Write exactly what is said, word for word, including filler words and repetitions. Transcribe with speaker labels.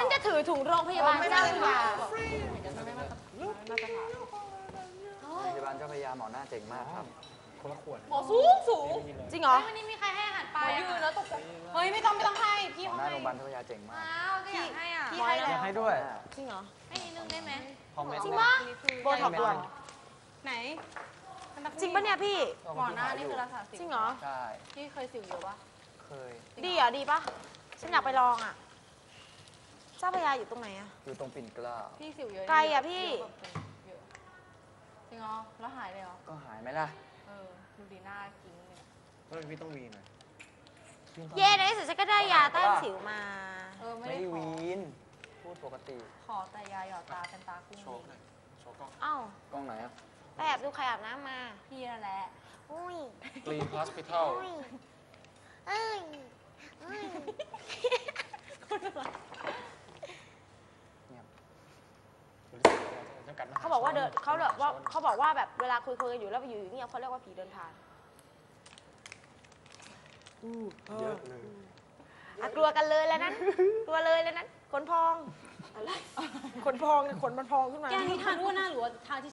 Speaker 1: ฉันจะถือถุงโรงพยาบาลเจ้าพระยา
Speaker 2: โรงพยาบาลเจ้าพระยาหมอหน้าเจ๋งมากครับ
Speaker 3: คนละขวด
Speaker 1: หมอสูงสูงจริงเหรอ
Speaker 4: วันนี้มีใครให้อาหารปลา
Speaker 1: ยืนแล้วตกใจ
Speaker 4: เฮ้ยไม่ต้องไม่ต้องให้พี่
Speaker 2: หมอ
Speaker 4: เขา
Speaker 2: หน้า
Speaker 4: ให้
Speaker 2: โรงพยาบาลเจ้าพระยาเจ๋งมาก
Speaker 4: อ้าวก็อยากให้อ่ะ
Speaker 1: พี่ให้
Speaker 3: อยาก
Speaker 1: แล้ว
Speaker 3: ให้ด้วย
Speaker 1: จริงเหรอ
Speaker 4: ให้นิดนึงได้ไหม
Speaker 3: คอมเมนต์
Speaker 1: จริงปะโบท็อกด่วน
Speaker 4: ไหน
Speaker 1: จริงปะเนี่ยพี่
Speaker 4: หมอหน้านี่คือรักษาสิว
Speaker 1: จริงเหรอ
Speaker 2: ใช่
Speaker 4: พี่เคยสิวเยอะปะ
Speaker 2: เคย
Speaker 1: ดีเหรอดีปะฉันอยากไปลองอ่ะ เจ้าพระยาอยู่ตรงไหนอ่ะ
Speaker 2: อยู่ตรงปิ่นเกล้า
Speaker 4: พี่สิวเยอะ
Speaker 1: ไกลอะพี่
Speaker 4: เยอะจริงเหรอแล้วหายเลยเหรอ
Speaker 2: ก็หายไหมล่ะ
Speaker 4: เออดูดีหน้ากิ้งเลย
Speaker 3: แล้วพี่ต้องวีนหน่อย
Speaker 1: เย่ในที่สุดฉันก็ได้ยาต้านสิวมา
Speaker 4: เออไม่
Speaker 2: ไม่
Speaker 4: ได้
Speaker 2: ได้
Speaker 4: ขอ
Speaker 2: วีน พูดปกติ
Speaker 4: ขอแต่ยาหยอดตาเป็นตากุ้ง
Speaker 3: โชว์หน่อยโชว์กล้อง
Speaker 1: เอ้าก
Speaker 2: ล้องไหนอ่ะ
Speaker 1: ไปแอบดูใครอาบน้ำมา
Speaker 4: พี่นั่นแหละ
Speaker 1: อุ้ย
Speaker 3: กรีนฮอสพิทอล
Speaker 1: อุ้ยเอ้ยเอ้ย
Speaker 2: เงียบ
Speaker 1: เขาบอกว่าเดินเขาแบบว่าเขาบอกว่าแบบเวลาคุยคุยกันอยู่แล้วไปอยู่อย่างเงี้ยเขาเรียกว่าผีเดินผ่าน
Speaker 3: เยอะเลย
Speaker 1: อ่ะกลัวกันเลยแล้วนั้น กลัวเลยแล้วนั้นขนพองอะไรขนพองเนี่ยขนมันพองขึ้นมา
Speaker 4: แกนี่ทานอ้วนหน้าหรือว่าทานทิช